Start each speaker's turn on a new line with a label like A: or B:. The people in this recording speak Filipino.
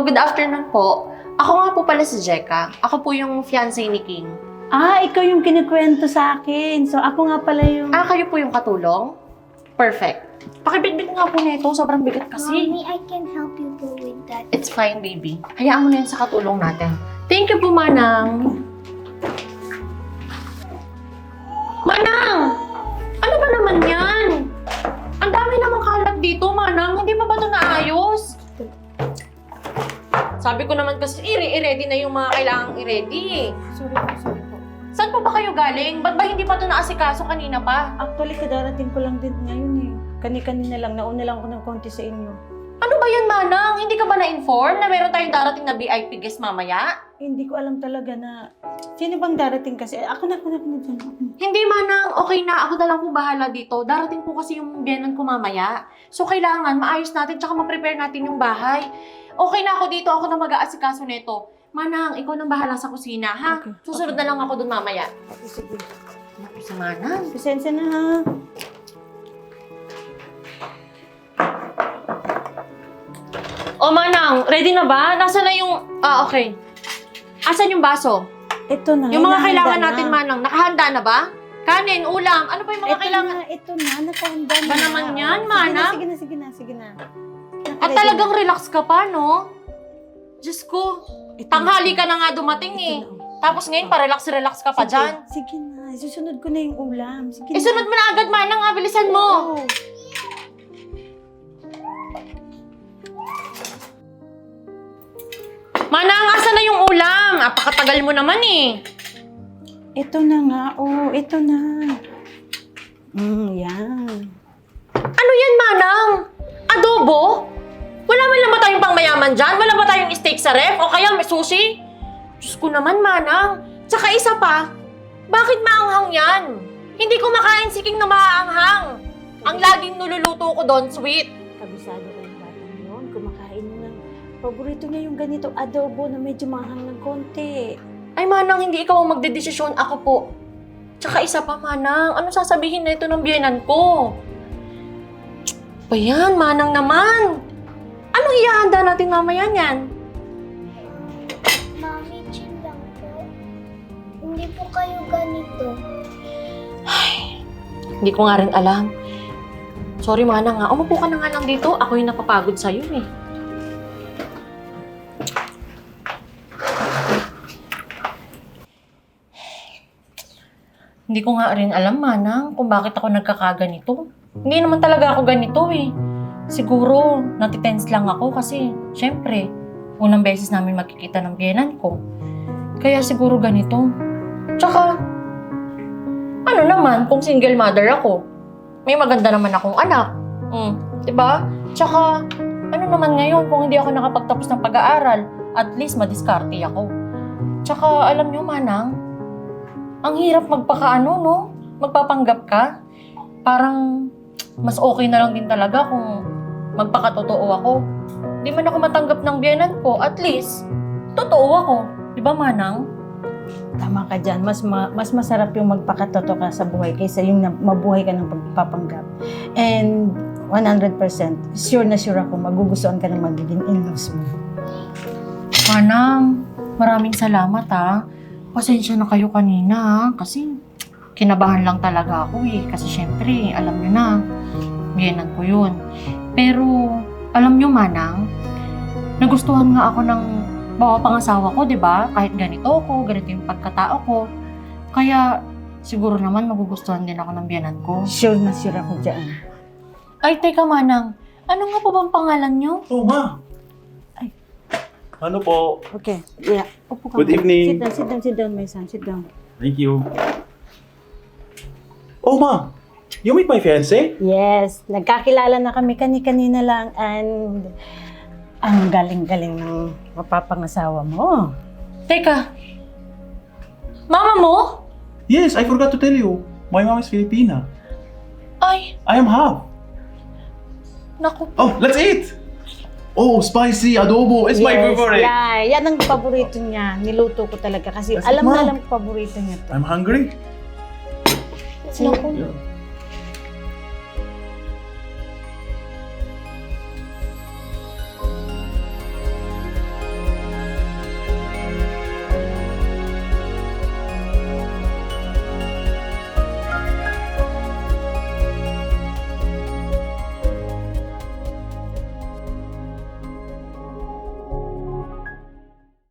A: good afternoon po. Ako nga po pala si Jeka. Ako po yung fiancé ni King.
B: Ikaw yung kinikwento sa akin. So, ako nga pala yung...
A: Kayo po yung katulong? Perfect. Pakibitbit nga po nito. Sobrang bigat kasi.
C: Mommy, I can help you go with that.
A: It's fine, baby. Hayaan mo na yan sa katulong natin. Thank you po, Manang. Manang! Ano ba naman yan? Ang dami namang kalat dito, Manang. Hindi ba ito naayos? Sabi ko naman kasi, i-ready na yung mga kailangang i-ready.
B: Sorry po.
A: Saan po ba kayo galing? Ba't ba hindi pa ito naasikaso kanina pa?
B: Actually, kadarating ko lang din ngayon eh. Kani-kanina lang. Nauna lang ako ng konti sa inyo.
A: Ano ba yan, Manang? Hindi ka ba na-inform na meron tayong darating na VIP guest mamaya?
B: Hindi ko alam talaga na... Sino bang darating kasi? Ako na dyan.
A: Hindi, Manang. Okay na. Ako na lang po bahala dito. Darating po kasi yung biyanan ko mamaya. So, kailangan maayos natin tsaka ma-prepare natin yung bahay. Okay na ako dito. Ako na mag-aasikaso nito. Manang, ikaw nang bahala sa kusina, ha?
B: Okay.
A: Susunod na lang ako dun mamaya.
B: Sige.
A: Naku, si Manang.
B: Pasensya na ha.
A: O, Manang, ready na ba? Nasaan na yung... okay. Asan yung baso?
B: Ito na.
A: Yung mga
B: nahanda
A: kailangan
B: na.
A: natin, Manang, nakahanda na ba? Kanin, ulam, ano pa yung mga
B: Ito
A: kailangan?
B: ito na. Nakahanda na.
A: Ba naman yan,
B: Oh,
A: Manang?
B: Sige na.
A: At talagang relax ka pa, no? Diyos ko, tanghali ka na nga dumating eh. Tapos ngayon, pa-relax ka pa dyan.
B: Sige na. Susunod ko na yung ulam. Sige na.
A: Isunod mo na agad, Manang, ha? Bilisan mo.
B: Oo.
A: Manang, asan na yung ulam? Apakatagal mo naman eh.
B: Ito na nga. Ito na. Yan.
A: Ano yan, Manang? Adobo? Wala man lang ba tayong pangmayaman dyan? Wala ba tayong steak sa ref? O kaya may sushi? Diyos ko naman, Manang. Tsaka isa pa, bakit maanghang yan? Hindi ko makain si King na maaanghang. Ang laging nululuto ko doon, sweet.
B: Kabisado ko yung batang yun. Kumakain na ng paborito niya yung ganito adobo na medyo mahang ng konti.
A: Ay, Manang, hindi ikaw ang magdedesisyon. Ako po. Tsaka isa pa, Manang. Ano sasabihin na ito ng biyenan ko? Ba yan, Manang naman? Anong ihahanda natin mamaya niyan?
C: Mommy, chill lang po. Hindi po kayo ganito.
A: Hindi ko nga rin alam. Sorry, Manang, nga. Umupo ka na nga lang dito. Ako yung napapagod sa'yo, eh. Hindi ko nga rin alam, Manang, kung bakit ako nagkakaganito. Hindi naman talaga ako ganito, eh. Siguro, natitense lang ako kasi, syempre, unang beses namin magkikita ng biyenan ko. Kaya siguro ganito. Tsaka, ano naman kung single mother ako? May maganda naman akong anak. Diba? Tsaka, ano naman ngayon kung hindi ako nakapagtapos ng pag-aaral, at least madiskarte ako. Tsaka, alam nyo, Manang, ang hirap magpakaano, no? Magpapanggap ka. Parang, mas okay na lang din talaga kung magpakatotoo ako. Di man ako matanggap ng biyenan ko, at least, totoo ako. Di ba, Manang?
B: Tama ka dyan. Mas masarap yung magpakatoto ka sa buhay kaysa yung mabuhay ka ng pagpapanggap. And 100%, sure na sure ako, magugustuhan ka ng magiging in-laws mo.
A: Manang, maraming salamat ha. Pasensya na kayo kanina ha. Kasi kinabahan lang talaga ako eh. Kasi syempre, alam nyo na, biyenan ko yun. Pero, alam nyo, Manang, nagustuhan nga ako ng pangasawa ko, di ba? Kahit ganito ako, ganito yung pagkatao ko. Kaya, siguro naman magugustuhan din ako ng biyenan ko.
B: Sure na sure ako dyan.
A: Ay, teka, Manang. Ano nga po bang pangalan nyo?
D: Oh, ma.
B: Ay.
D: Ano po?
B: Okay, yeah. Upo ka.
D: Good evening.
B: Sit down, my son. Sit down.
D: Thank you. Oh, ma. You meet my fiancé?
B: Yes, nagkakilala na kami kani-kanina lang and ang galing-galing ng mapapangasawa mo.
A: Teka, mama mo?
D: Yes, I forgot to tell you. My mom is Filipina.
A: Ay,
D: I am half.
A: naku.
D: Oh, let's eat! Oh, spicy adobo. It's my favorite.
B: Yeah, yan ang paborito niya. Niluto ko talaga kasi
D: That's
B: alam
D: it,
B: na
D: Mom.
B: alam ko paborito niya to.
D: I'm hungry.
A: Naku.
D: Yeah.